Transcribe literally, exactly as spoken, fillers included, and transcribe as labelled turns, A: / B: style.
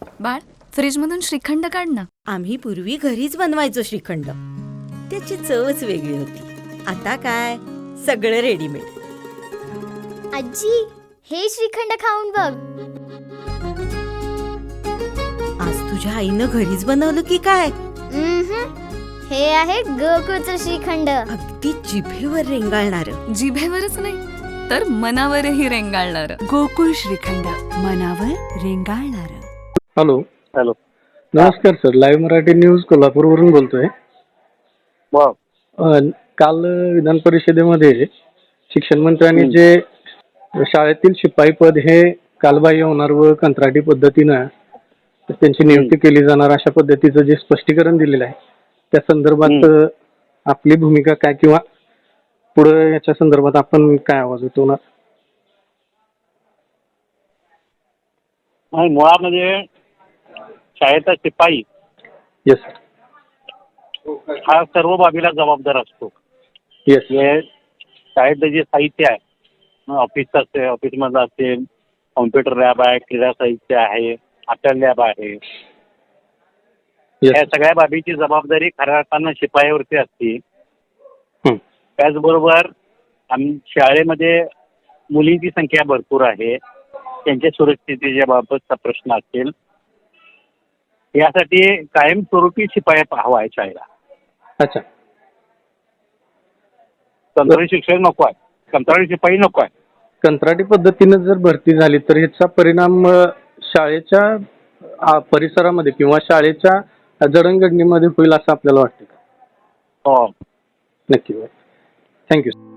A: बाळ, फ्रीजमधून श्रीखंड काढ ना.
B: आम्ही पूर्वी घरीच बनवायचो श्रीखंड. त्याची चवच वेगळी होती. आता काय सगळं रेडीमेड.
C: आजी, हे श्रीखंड खाऊन बघ.
B: आज तुझ्या आईनं घरीच बनवलं की काय?
C: उम्हम. हे आहे गोकुळचं श्रीखंड.
B: अगदी जिभेवर रेंगाळणार.
A: जिभेवरच नाही तर मनावरही रेंगाळणार.
D: गोकुळ श्रीखंड, मनावर रेंगाळणार.
E: Hello
F: hello.
E: नमस्कार सर, लाईव्ह मराठी न्यूज कोल्हापूरवरून बोलतोय.
F: वा.
E: अ, काल विधान परिषदेमध्ये शिक्षण मंत्र्यांनी जे शाळेतील शिपाई पद हे कालबाह्य होणार व कंत्राटी पद्धतीनं त्यांची नियुक्ती केली जाणार अशा पद्धतीचं जे स्पष्टीकरण दिलेलं आहे त्या संदर्भात आपली भूमिका काय किंवा पुढे याच्या संदर्भात आपण काय आवाज उठवणार?
F: नाही, मुळामध्ये शाळेचा शिपाई
E: येस
F: हा सर्व बाबीला जबाबदार असतो.
E: येस
F: हे शाळेतलं जे साहित्य आहे, ऑफिसचं असेल, ऑफिसमधलं असेल, कॉम्प्युटर लॅब आहे, क्रीडा साहित्य आहे, अटल लॅब आहे, या सगळ्या बाबीची जबाबदारी खऱ्या अर्थानं शिपायावरती असते. त्याचबरोबर आम शाळेमध्ये मुलींची संख्या भरपूर आहे, त्यांच्या सुरक्षिततेच्या बाबतचा प्रश्न असेल, यासाठी कायमस्वरूपी शिपाई हवा आहे शाळेला.
E: अच्छा.
F: कंत्राटी शिक्षक नको आहे, कंत्राटी शिपाई नको आहे.
E: कंत्राटी पद्धतीनं जर भरती झाली तर ह्याचा परिणाम अ, शाळेच्या अ, परिसरामध्ये किंवा शाळेच्या जडणघडणीमध्ये होईल असं आपल्याला वाटतं का?
F: हो.
E: नक्की. थँक्यू.